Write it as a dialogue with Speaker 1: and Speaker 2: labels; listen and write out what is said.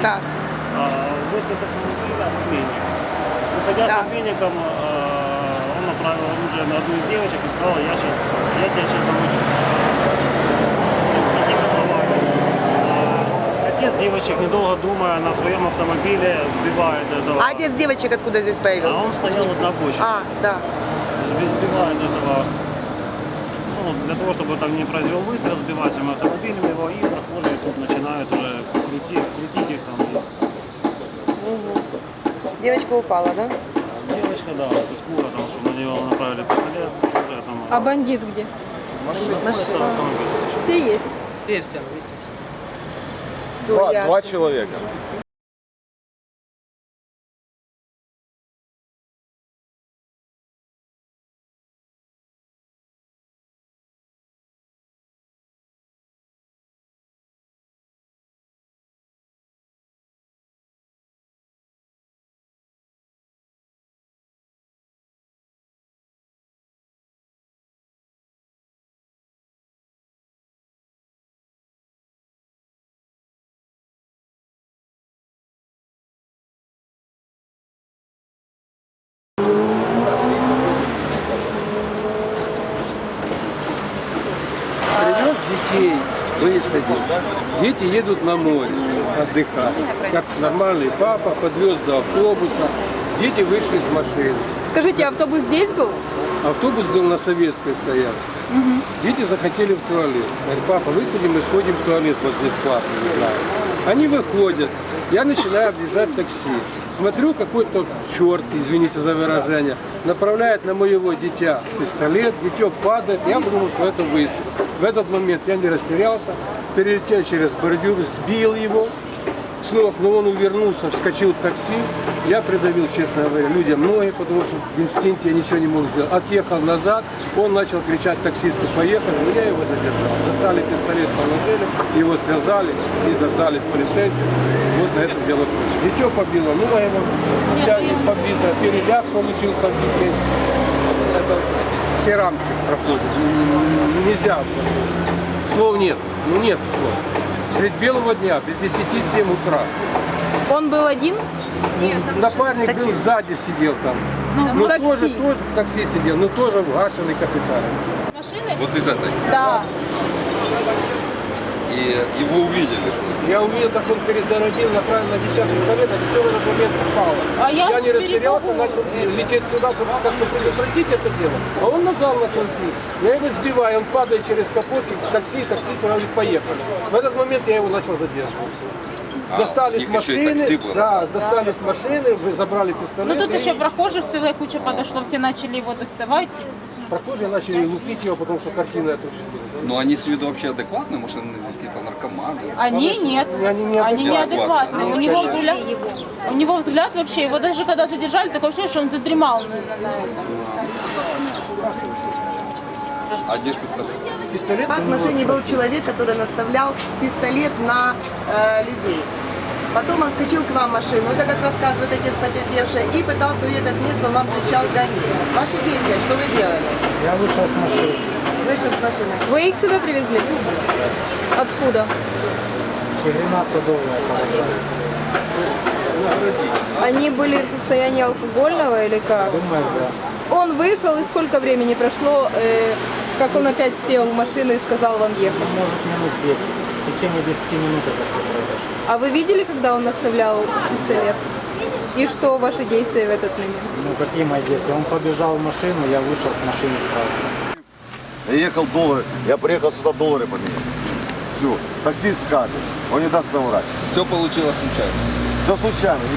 Speaker 1: Так.
Speaker 2: Выскочил с автомобиля обменник. Выходя с обменником, он направил оружие на одну из девочек и сказал, я тебя сейчас замучу. С такими словами. Отец девочек, недолго думая, на своем автомобиле сбивает этого.
Speaker 1: А отец девочек откуда здесь появился?
Speaker 2: А он стоял вот на обочине.
Speaker 1: Да.
Speaker 2: Сбивает этого, ну, для того, чтобы там не произвел выстрел, сбивать им автомобилем его, и прохожие тут начинают уже крутить их там.
Speaker 1: Девочка упала, да?
Speaker 2: Девочка, да, то есть скоро там, что на нее направили пистолет, уже там.
Speaker 3: А бандит где?
Speaker 2: Машина.
Speaker 3: Все есть.
Speaker 4: Все, вместе все.
Speaker 5: Два человека.
Speaker 6: Привез детей, высадил. Дети едут на море отдыхать. Как нормальный папа подвез до автобуса. Дети вышли с машины.
Speaker 3: Скажите, автобус здесь был?
Speaker 6: Автобус был на Советской стоянке. Дети захотели в туалет. Говорят, папа, высадим и сходим в туалет, вот здесь платно, не знаю. Они выходят, я начинаю объезжать такси. Смотрю, какой-то черт, извините за выражение, направляет на моего дитя пистолет, дитё падает, я думал, что это выстрел. В этот момент я не растерялся, перелетел через бордюр, сбил его, снова, но он увернулся, вскочил в такси, я придавил, честно говоря, людям ноги, потому что в инстинкте я ничего не мог сделать. Отъехал назад, он начал кричать таксисту, поехали, но я его задержал. Достали пистолет, положили, его связали и дождались полицейских. Вот на этом дело кончилось. Дитё побило, ну а его вся побита, переляк получился в детей. Это все рамки проходят, нельзя. Слов нет, ну нет слов. Средь белого дня, без 10-7 утра.
Speaker 3: Он был один?
Speaker 1: Нет,
Speaker 6: напарник был сзади, сидел там.
Speaker 3: Ну,
Speaker 6: тоже в такси сидел, но тоже в гашенной капитале.
Speaker 3: Машины?
Speaker 5: Вот из этой.
Speaker 3: Да.
Speaker 5: И его увидели.
Speaker 6: Я увидел, как он перезарядил, направил на дитя пистолет, а дитё в этот момент спало.
Speaker 3: А я
Speaker 6: не растерялся,
Speaker 3: перепугу.
Speaker 6: начал лететь сюда, чтобы как-то предотвратить это дело. А он назад начал идти. Я его сбиваю, он падает через капот, в такси, таксист говорит, поехали. В этот момент я его начал задерживать. Достали с машины, достали с машины, уже забрали пистолет.
Speaker 3: Ну тут еще прохожих целая куча подошло, все начали его доставать.
Speaker 6: Прохожие начали лупить его, потому что картина это уже была.
Speaker 5: Но они с виду вообще адекватные, может, они какие-то наркоманы?
Speaker 3: Они нет, они неадекватные. У него взгляд вообще, его даже когда задержали, такое ощущение, что он задремал.
Speaker 5: А где же пистолет?
Speaker 6: Пистолет
Speaker 1: В машине был человек, который наставлял пистолет на людей. Потом он вскочил к вам в машину, это как рассказывает отец потерпевший, и пытался уехать с места, он вам кричал «гони». Ваши действия, что вы делали?
Speaker 7: Я вышел с машины.
Speaker 1: Вышел с машины.
Speaker 3: Вы их сюда привезли? Откуда?
Speaker 7: Ширина Садовая подобрали.
Speaker 3: Они были в состоянии алкогольного или как?
Speaker 7: Думаю, да.
Speaker 3: Он вышел, и сколько времени прошло, как он опять сел в машину и сказал вам ехать?
Speaker 7: Ну, может, минут 10. В течение 10 минут это все произошло.
Speaker 3: А вы видели, когда он наставлял пистолет? И что ваши действия в этот момент?
Speaker 7: Ну, какие мои действия? Он побежал в машину, я вышел с машины сразу.
Speaker 8: Я ехал доллары, я приехал сюда доллары поменять. Все, таксист скажет, он не даст соврать.
Speaker 5: Все получилось случайно.
Speaker 8: Все случайно.